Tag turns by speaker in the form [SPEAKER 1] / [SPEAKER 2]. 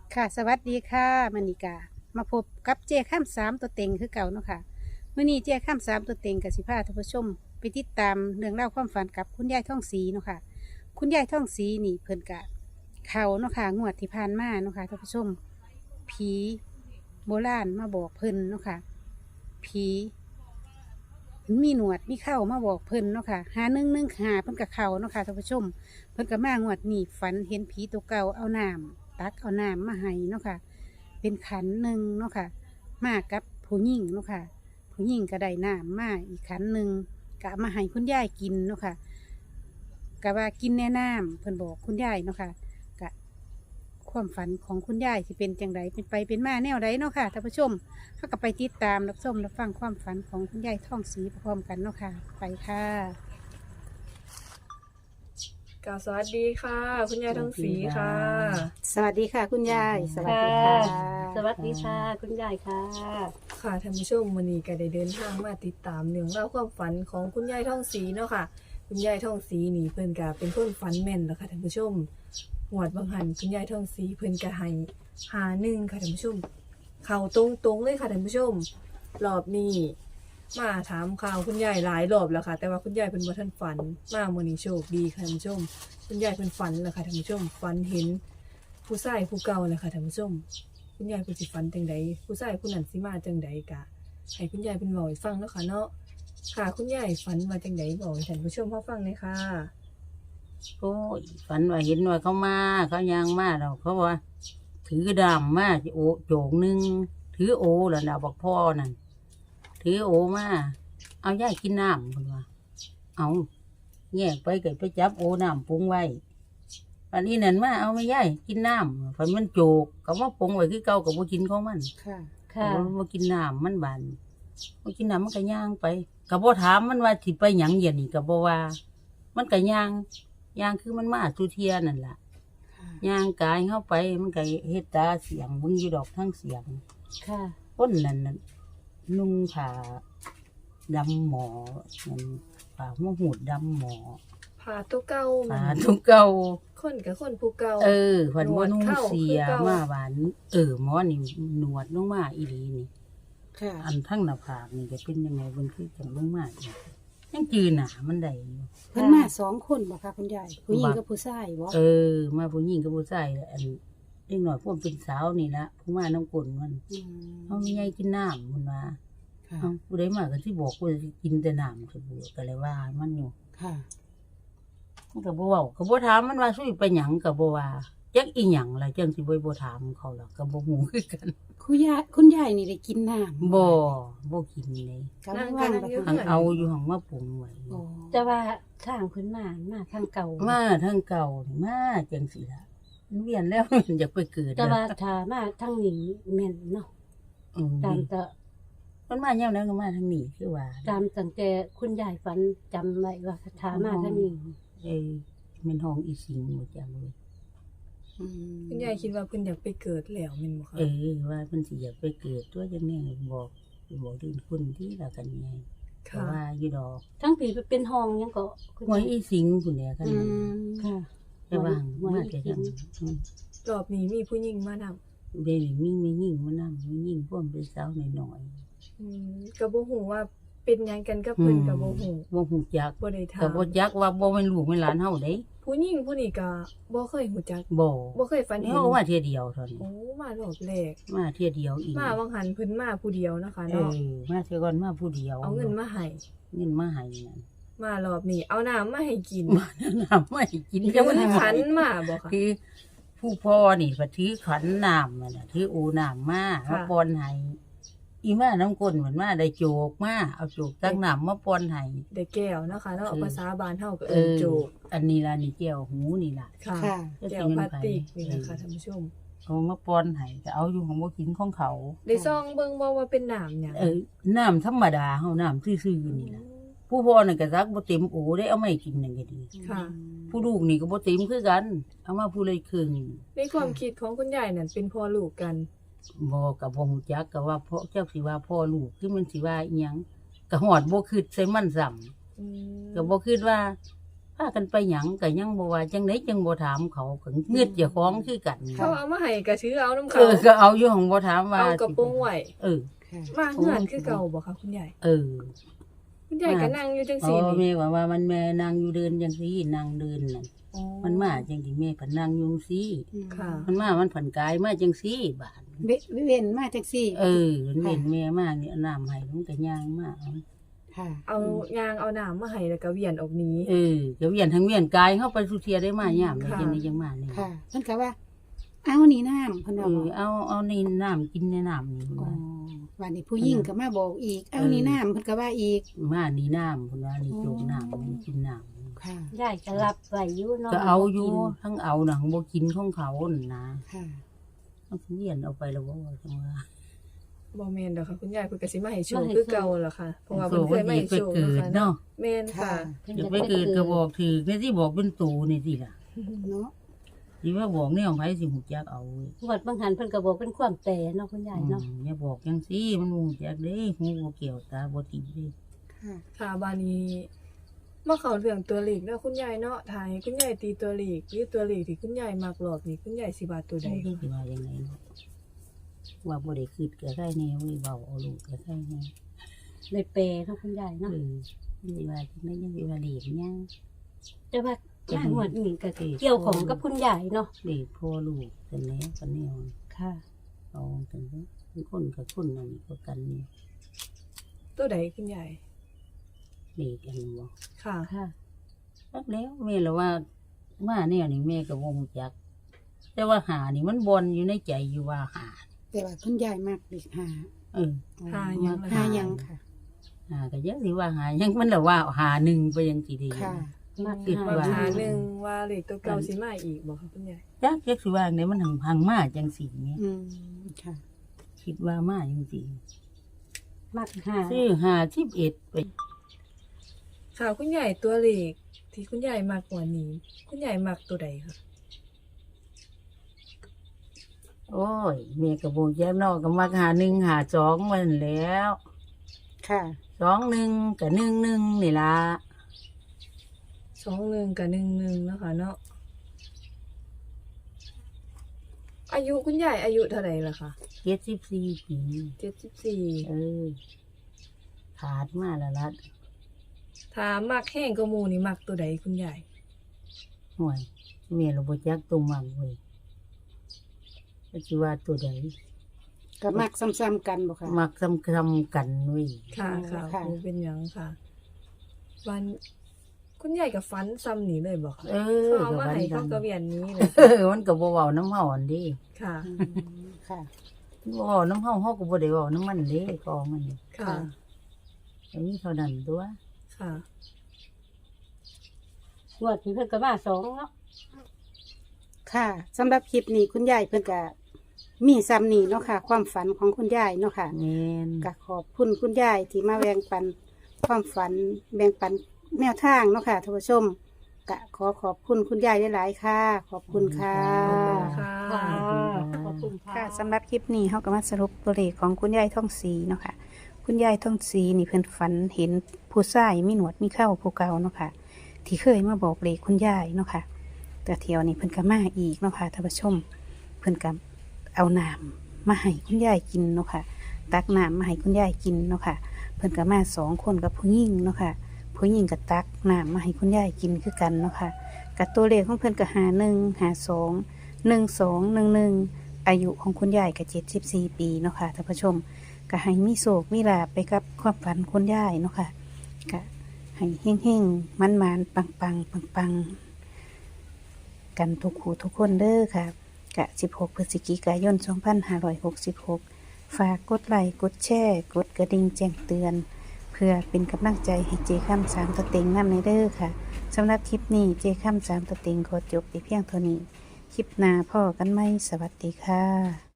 [SPEAKER 1] ค่ะสวัสดีค่ะมณิกามาพบกับเจ้ข้ามสามตัวเต็งคือเก่าเนาะค่ะมื่อนี้เจ้ข้ามสามตัวเต็งกับสิพาท่านผู้ชมไปติดตามเรื่องเล่าวความฝันกับคุณยายท่องสีเนาะค่ะคุณยายท่องสีนี่เพิ่นกะเขาเนาะค่ะงวดที่ผ่านมาเนาะค่ะท่านผู้ชมผีโบราณมาบอกเพิ่นเนาะค่ะผีมีหนวดมีเข้ามาบอกเพิ่นเนาะค่ะหาเพิ่นกับเขาเนาะค่ะท่านผู้ชมเพิ่นกับมางวดนี้ฝันเห็นผีตัวเก่าเอาน้ำตักเอาน้ำมาให้เนาะค่ะ เป็นขันหนึ่งเนาะค่ะมากับผู้หญิงเนาะค่ะผู้หญิงก็ได้น้ำมาอีกขันหนึ่งก็เอามาให้คุณยายกินเนาะค่ะก็ว่ากินแน่น้ำเพิ่นบอกคุณยายเนาะค่ะกะความฝันของคุณยายที่เป็นจังไดเป็นไปเป็นมาแนวใดเนาะค่ะท่านผู้ชมเขาก็ไปติดตามรับชมรับฟังความฝันของคุณยายท่องสีพร้อมกันเนาะค่ะไปค่ะ
[SPEAKER 2] สวัสดีค่ะ คุณยายทองศรีค่ะ
[SPEAKER 1] สวัสดีค่ะคุณยายสวัสดี
[SPEAKER 3] ค่ะ
[SPEAKER 1] ค่ะ
[SPEAKER 3] สวัสดีค่ะ คุณยายค่ะ
[SPEAKER 2] ค่ะท่านผู้ชมวันนี้ก็ได้เดินทางมาติดตามเรื่องเล่าวความฝันของคุณยายทองศรีเนาะค่ะ คุณยายทองศรีนี่เพิ่นก็เป็นคนฝันแม่นแล้วค่ะท่านผู้ชมหวดบางหันคุณยายทองศรีเพิ่นก็ให้51ค่ะท่านผู้ชมเข้าตรงๆเลยค่ะท่านผู้ชมรอบนี้มาถามข่าวคุณยายหลายรอบแล้วค่ะ แต่ว่าคุณยายเพิ่นบ่ทันฝันมามื้อนี้โชคดีค่ะท่านผู้ชม คุณยายเพิ่นฝันแล้วค่ะท่านผู้ชมฝันเห็นผู้ชายผู้เก่าแหละค่ะท่านผู้ชม คุณยายเพิ่นสิฝันจังใดผู้ชายผู้นั้นสิมาจังใดกะให้คุณยายเพิ่นเว้าให้ฟังเนาะค่ะเนาะค่ะคุณยายฝันว่าจังใดบอกให้ท่านผู้ชมเฮาฟังเลยค่ะ
[SPEAKER 3] โอ้ยฝันว่าเห็นว่าเขามาเขายางมาเราเขาว่า ถือดำมาโอโจงหนึ่งถือโอแล้วนะบอกพ่อนั่นถือโอมาเอาย่ายกินน้ำคนว่าเอาแยกไปเกิดไปจับโอน้ำปรุงไว้วันนี้นั่นมาเอาไม่ย่ายกินน้ำฝันมันโจกเขาว่าปรุงไว้คือเก่ากับบุกินของมัน
[SPEAKER 1] ค่ะ
[SPEAKER 3] ค่ะมากินน้ำมันบานมากินน้ำมันก็ย่างไปกับบ่ถามมันว่าสิไปหยังเย็นนี่กับบ่ว่า มันก็ย่างคือมันมาทุเทียนั่นล่ะย่างกายเข้าไปมันก็เฮ็ดตาเสียงมึงอยู่ดอกทั้งเสียง
[SPEAKER 1] ค่ะ
[SPEAKER 3] คนนั่นน่ะนุ่งผ้าดำหมอนั่นผ้าหัวหูดดำหมอ
[SPEAKER 2] ผ่าตัวเก่า
[SPEAKER 3] ผ้าทุกเก่า
[SPEAKER 2] คนกับคนผู้เก่า
[SPEAKER 3] เพิ่นบ่นุ่งเสีย
[SPEAKER 2] หนวดเข้าคือเก่า
[SPEAKER 3] มาหวานหมอนี่หนวดลงมาอีหลีนี่
[SPEAKER 1] ค่ะ
[SPEAKER 3] อันทั้งหน้าผากนี่จะเป็นยังไงบนคือจังลงมาอีกยังจือหนามันได้อยู่
[SPEAKER 1] เพิ่นมาสองคนบ่คะคุณยายผู้หญิงกับผู้ชายบ่
[SPEAKER 3] มาผู้หญิงกับผู้ชายอันเล็กหน่อยพวกเป็นสาวนี่ละผู้มาน้ำกลนมัน
[SPEAKER 1] อืม
[SPEAKER 3] เขาไม่ให้กินน้ำมันว่า
[SPEAKER 1] ค่ะ
[SPEAKER 3] เอาผู้ใดมากันที่บอกกูจะกินแต่น้ำสบู่ก็เลยว่ามันอยู่
[SPEAKER 1] ค่ะ
[SPEAKER 3] มันก็บ่เว้าก็บ่ถามมันว่าสู้ไปหยังก็บ่ว่าจักอีหยังล่ะจังสิบ่ถามเขาล่ะก็บ่ฮู้คือกัน
[SPEAKER 1] คุณยายนี่ได้กินน้ำ
[SPEAKER 3] บ่กินเลย
[SPEAKER 1] กำลังว่างไป
[SPEAKER 3] หังเอาอยู่หังมาปรุงไว้
[SPEAKER 1] โอ้
[SPEAKER 3] แต่ว่า
[SPEAKER 4] ทางพื้นมาทางเก่า
[SPEAKER 3] มาทางเก่านี่มาจังสิล่ะมันเวียนแล้ว มันอยากไปเกิด
[SPEAKER 4] แต่
[SPEAKER 3] แล้ว
[SPEAKER 4] ว่าถ้ามาทางนี้แม่นเนาะ
[SPEAKER 3] อืม
[SPEAKER 4] ตามแต่
[SPEAKER 3] มันมาแนวนั้นก็มาทางนี้คือว่า
[SPEAKER 4] ตามตั้งแต่คุณยายฝันจำไว้ว่าถ้ามาทางนี้
[SPEAKER 3] เป็นห้องอีสิงหมดจังเลย
[SPEAKER 1] อืม
[SPEAKER 2] คุณยายคิดว่าเพิ่นอยากไปเกิดแล้วแม่นบ่คะ
[SPEAKER 3] ว่ามันสิอยากไปเกิดตัวจังแน่บอกดินคุณที่ละกันไงแต่
[SPEAKER 2] ค่ะ
[SPEAKER 3] ว่าอยู่ดอก
[SPEAKER 4] ทั้งปีเป็นห้องยังก็คุณ
[SPEAKER 3] หวย
[SPEAKER 4] ยาย
[SPEAKER 3] อีสิงคุณเนี่ยกัน
[SPEAKER 1] อื
[SPEAKER 3] นั้น
[SPEAKER 1] ม
[SPEAKER 4] ค่ะ
[SPEAKER 3] แต่ว่า
[SPEAKER 4] หวย
[SPEAKER 3] มา
[SPEAKER 4] อี
[SPEAKER 3] แต่
[SPEAKER 4] สิ
[SPEAKER 3] จั
[SPEAKER 4] ง
[SPEAKER 3] ง
[SPEAKER 2] รอบนี้มีผู้หญิงมานำ
[SPEAKER 3] เดี๋ยวนี้มีไม่ยิ่งมานำไม่ยิ่งพวกเป็นสาวหน่อย
[SPEAKER 2] ก็บ่ฮู้ว่าเป็นหยังกันกับเพิ่นก็บ่ฮู้
[SPEAKER 3] บ่ฮู้จัก
[SPEAKER 2] บ่ได้ถา
[SPEAKER 3] ก็
[SPEAKER 2] ม
[SPEAKER 3] บ่จักว่าบ่เป็นลูกเป็นหลานเฮาเด้
[SPEAKER 2] ผู้หญิงผู้นี้ก็บ่เคยฮู้จัก
[SPEAKER 3] บ่
[SPEAKER 2] บ่เคยฝันเห็น
[SPEAKER 3] เฮามาเที่ยเดียวเท่านี้
[SPEAKER 2] โอ้มารอบแรก
[SPEAKER 3] มาเที่ยเดียวอีก
[SPEAKER 2] มาวังหันเพิ่นมาผู้เดียวนะคะ
[SPEAKER 3] เอ
[SPEAKER 2] เนาะ
[SPEAKER 3] มาเที่ยก่อนมาผู้เดียว
[SPEAKER 2] เอาเงินมาให้
[SPEAKER 3] เงินมาให้นั่น
[SPEAKER 2] มารอบนี้เอาน้ำมาให้กิน
[SPEAKER 3] มาน้ำไม่กิน
[SPEAKER 2] ถือขันมาบ่ค่ะ
[SPEAKER 3] คือผู้พ่อนี่ก็ถือขันน้ำมันน่ะถืออูน้ำมา
[SPEAKER 2] ค่ะ
[SPEAKER 3] มาปอนให้อีมาน้ำก้นเหมือนมาได้โจกมาเอาโจกตั้งน้ำมาปอนให้
[SPEAKER 2] ได้แก้วนะคะเนาะภาษาบ้านเฮาก็
[SPEAKER 3] เอ
[SPEAKER 2] เอิ้น
[SPEAKER 3] อ
[SPEAKER 2] โจก
[SPEAKER 3] อันนี้ล่ะนี่แก้วหูนี่ล่ะ
[SPEAKER 2] ค่ะ
[SPEAKER 1] ค่ะ
[SPEAKER 2] แก้วพลาสติกนี่นะคะท่านผู้ชม
[SPEAKER 3] เอามาปอนให้ก็เอาอยู่ของบ่กินของเขา
[SPEAKER 2] ได้ซองเบิ่งบ่ว่าเป็นน้ำหยัง
[SPEAKER 3] น้ำธรรมดาเฮาน้ำซื่อๆนี่ล่ะผู้พ่อนี่ก็ซักบ่เต็มโอได้เอาไม่กินนั่นก็ดี
[SPEAKER 2] ค่ะ
[SPEAKER 3] ผู้ลูกนี่ก็บ่เต็มคือกัน เอามาผู้เลยครึ่ง
[SPEAKER 2] ในความคิดของคุณยายนั่นเป็นพ่อลูกกัน
[SPEAKER 3] บ่กับบ่ฮู้จักก็ว่าพ่อเจ้าสิว่าพ่อลูกคือมันสิว่าอีหยังก็ฮอดบ่คิดใส่มันซ้ำ
[SPEAKER 2] อืม
[SPEAKER 3] ก็บ่คิดว่าไผากันไปหยังก็ยังบ่ว่าจังได๋จังบ่ถามเขาก็เงือดเจ้าของคือกัน
[SPEAKER 2] เขาเอามาให้ก็ถือเอาน้ำ
[SPEAKER 3] เอ
[SPEAKER 2] เขา
[SPEAKER 3] อก็เอาอยู่ของบ่ถามว่า
[SPEAKER 2] เอากระโปรงไว้
[SPEAKER 3] เออ
[SPEAKER 1] ค่ะ
[SPEAKER 2] มาเฮือนคือเก่าบ่คะคุณยาย
[SPEAKER 3] เออ
[SPEAKER 2] คุณยายก็นั่งอยู่จัง
[SPEAKER 3] อ๋
[SPEAKER 2] ซี่
[SPEAKER 3] อ
[SPEAKER 2] นี่
[SPEAKER 3] แม่ว่ามันแม่นางอยู่เดินจังซี่นางเดินนั่น
[SPEAKER 2] อ๋อ
[SPEAKER 3] มันมาจังซี่แม่ผันนางอยู่จังซี่
[SPEAKER 2] ค่ะ
[SPEAKER 3] มันมามันผันกายมาจังซี่บาด
[SPEAKER 1] เว้นมาจังซี่
[SPEAKER 3] เออมันเห็นแม่มานี่เอาน้ำให้มันก็ย่างมาเอา
[SPEAKER 1] ค่ะ
[SPEAKER 2] เอายางเอาน้ำมาให้แล้วก็เวียนออกหนี้
[SPEAKER 3] เออก็เวียนทั้งเวียนกายเฮาไปสุเทียได้มายามได้
[SPEAKER 2] ค่ะ
[SPEAKER 3] จังได๋จังมานี่
[SPEAKER 1] ค่ะเพิ่นก็ว่า เอานี่น้ำเพิ่น
[SPEAKER 3] เอ
[SPEAKER 1] ว่าบ
[SPEAKER 3] อ
[SPEAKER 1] อก
[SPEAKER 3] เอานี่น้ำกินในน้ำนี่
[SPEAKER 1] อ๋อ
[SPEAKER 3] ว่า
[SPEAKER 1] วันนี้ผู้หญิงก็มาบอกอีก เอานี่น้ำเพิ่นก็ว่าอีก
[SPEAKER 3] มานี่น้ำเพิ่นว่านี่โจกน้ำนี่กินน้ำ
[SPEAKER 1] ค่ะ
[SPEAKER 4] ยายก็รับไว้อยู่เนาะ
[SPEAKER 3] ก็เอาอยู่ทั้งเอาหนังบ่กินของเขานั่นนะ
[SPEAKER 1] ค่ะ
[SPEAKER 3] มันเวียนเอาไปแล้วบ่ว่าจังว่า
[SPEAKER 2] บ่แม่นดอกค่ะคุณยายเพิ่นก็สิมาให้โชคคือเก่าล่ะค่ะเพราะว่าเพิ่นเคยมาให้
[SPEAKER 3] ไป
[SPEAKER 2] โชค
[SPEAKER 3] เกิด
[SPEAKER 2] เนาะ
[SPEAKER 3] เนาะ
[SPEAKER 2] แม่นค่ะ
[SPEAKER 4] พิ่น
[SPEAKER 3] เดี๋ยว
[SPEAKER 4] จะ
[SPEAKER 3] ไปเกิดก็บอกถือแม่ที่บอกเป็นตูนี่สิล่ะ
[SPEAKER 1] เนาะ
[SPEAKER 3] สิว่าบอกแนวไผสิฮู้จักเอาเว้ย
[SPEAKER 4] งวดบางหันเพิ่นก็บอกเป็นความแต่เนาะคุณยายเนาะ
[SPEAKER 3] อย่าบอกจังซี่มันบ่ฮู้จักเด้ฮู้บ่เกี่ยวตาบ่ติดเด้
[SPEAKER 1] ค่ะ
[SPEAKER 2] ค่ะบานี้มาเข้าเรื่องตัวเลขเนาะคุณยายเนาะถ้าให้คุณยายตีตัวเลขหรือตัวเลขที่คุณยายมักหลอกนี่คุณยายสิว่าตัวใด
[SPEAKER 3] สิว่าจังไดเนาะว่าบ่ได้คิดก็ได้แน่เว้ยเว้าเอาลูกก็ได้แน่
[SPEAKER 4] เลยแปลเนาะคุณยาย
[SPEAKER 3] เอ
[SPEAKER 4] เนาะ
[SPEAKER 3] อสิว่าจังได๋ยังสิว่าเลีกยัง
[SPEAKER 4] แต่ว่าหน้างวดนี้ก็เกี่ยวของกับคุณยายเนาะ
[SPEAKER 3] เด็กพ่อลูกกันแล้วกันแนว
[SPEAKER 4] ค่ะ
[SPEAKER 3] เอากันเด้อคนกับคนนั่นก็กันนี่
[SPEAKER 2] ตัวใดคุณยาย
[SPEAKER 3] เด็กกันบ่
[SPEAKER 2] ค่ะ
[SPEAKER 4] ค่ะ
[SPEAKER 3] จักแล้วแม่ละว่ามาแนวนี่แม่ก็บ่ฮู้จัก แต่ว่าหานี่มันบ่นอยู่ในใจอยู่ว่าหา
[SPEAKER 1] แต่ว่าคุณยายมากเด็กหา
[SPEAKER 3] เออ
[SPEAKER 2] หาหยัง
[SPEAKER 1] หายังค่ะ
[SPEAKER 3] หาก็ยังสิว่าหายังมันละว่าหาหนึ่งไปยังสิได้อยู่
[SPEAKER 1] ค่ะ
[SPEAKER 4] มาก
[SPEAKER 3] คิด
[SPEAKER 2] ว่า
[SPEAKER 3] ว่า
[SPEAKER 2] หาหนึ่งว่าเลขตัวเก่าสิมาอีกบ่คะคุณยาย
[SPEAKER 3] จักสิว่าไหนมันหังมาจังสิเนี่ย
[SPEAKER 1] อืมค่ะ
[SPEAKER 3] คิดว่ามาจังสิ
[SPEAKER 4] มากหา
[SPEAKER 3] ซื้อ51ไป
[SPEAKER 2] ค่ะคุณยายตัวเลขที่คุณยายมักกว่านี้ คุณยายมักตัวใดคะ
[SPEAKER 3] โอ้ยแม่ก็บ่แย่นอกก็มักหา1หา2มันแหล้ว
[SPEAKER 1] ค่ะ
[SPEAKER 3] 21ก็11นี่ล่ะ
[SPEAKER 2] 21กับ11เนาะค่ะเนาะอายุคุณยายอายุเท่าไหร่ล่ะคะ
[SPEAKER 3] 74ปี
[SPEAKER 2] 74
[SPEAKER 3] เออขาดมาแล้วล่ะ
[SPEAKER 2] ถ้ามักแห้งก็หมู่นี่มักตัวใดคุณยาย
[SPEAKER 3] ห่วยแม่เราบ่จักตัวมักเว้ยก็สิว่าตัวใด
[SPEAKER 1] ก็มักซ้ำๆกันบ่ค่ะ
[SPEAKER 3] มักซ้ำๆกันเว้ย
[SPEAKER 2] ค่ะค่ะ
[SPEAKER 1] ค่ะ
[SPEAKER 2] บ่เป็นหยังค่ะ วันคุณยายก็ฝันซ้ำนี่เลยบ่คะ
[SPEAKER 3] เออ
[SPEAKER 2] เขาเอา
[SPEAKER 3] ก็
[SPEAKER 2] มา
[SPEAKER 3] วัน
[SPEAKER 2] ให้
[SPEAKER 3] กั
[SPEAKER 2] เขา
[SPEAKER 3] น
[SPEAKER 2] ก็เวียนนี้เลย
[SPEAKER 3] เออมันก็บ่เว้าน้ำเฮาอันเด้
[SPEAKER 2] ค่ะ
[SPEAKER 1] อืมค่ะ
[SPEAKER 3] บ่เว้าน้ำเฮาเฮาก็บ่ได้เว้าน้ำมันเด้กองมันนี่
[SPEAKER 2] ค่ะ
[SPEAKER 3] ก็มีเท่านั้นตัว
[SPEAKER 2] ค่ะ
[SPEAKER 4] งวดนี้เพิ่นก็มา2เนาะ
[SPEAKER 1] ค่ะสำหรับคลิปนี้คุณยายเพิ่นก็มีซ้ำนี่เนาะค่ะ ความฝันของคุณยายเนาะค่ะ
[SPEAKER 3] แม่น
[SPEAKER 1] ก็ขอบคุณคุณยายที่มาแบ่งปันความฝันแบ่งปันแนวทางเนาะค่ะท่านผู้ชมก็ขอบคุณคุณยายหลายๆค่ะ ขอบคุณค่ะ
[SPEAKER 2] ขอบคุณค่ะ
[SPEAKER 4] ขอบคุณค่ะ
[SPEAKER 1] ค่ะสำหรับคลิปนี้เขาก็มาสรุปตัวเลขของคุณยายท่องสีเนาะค่ะ คุณยายท่องสีนี่เพิ่นฝันเห็นผู้ชายมีหนวดมีเข้าผู้เก่าเนาะค่ะ ที่เคยมาบอกเลขคุณยายเนาะค่ะ แต่เที่ยวนี้เพิ่นก็มาอีกเนาะค่ะท่านผู้ชม เพิ่นก็เอาน้ำมาให้คุณยายกินเนาะค่ะ ตักน้ำมาให้คุณยายกินเนาะค่ะ เพิ่นก็มา2 คนกับผู้หญิงเนาะค่ะผู้หญิงก็ตักน้ำมาให้คุณยายกินคือกันเนาะค่ะกับตัวเลขของเพิ่นก็51 52 12 11อายุของคุณยายก็74 ปีเนาะค่ะท่านผู้ชมก็ให้มีโศกมีลาภไปกับความฝันคุณยายเนาะค่ะก็ให้เฮงๆมันๆปังๆปังๆกันทุกคู่ทุกคนเด้อค่ะกะ16 พฤศจิกายน 2566 ฝากกดไลค์กดแชร์กดกระดิ่งแจ้งเตือน เพื่อเป็นกำลังใจให้เจค่ำ3 ตัวเต็งนำในเด้อค่ะสำหรับคลิปนี้เจค่ำ3 ตัวเต็งขอจบไปเพียงเท่านี้ คลิปหน้าพ่อกันไหมสวัสดีค่ะ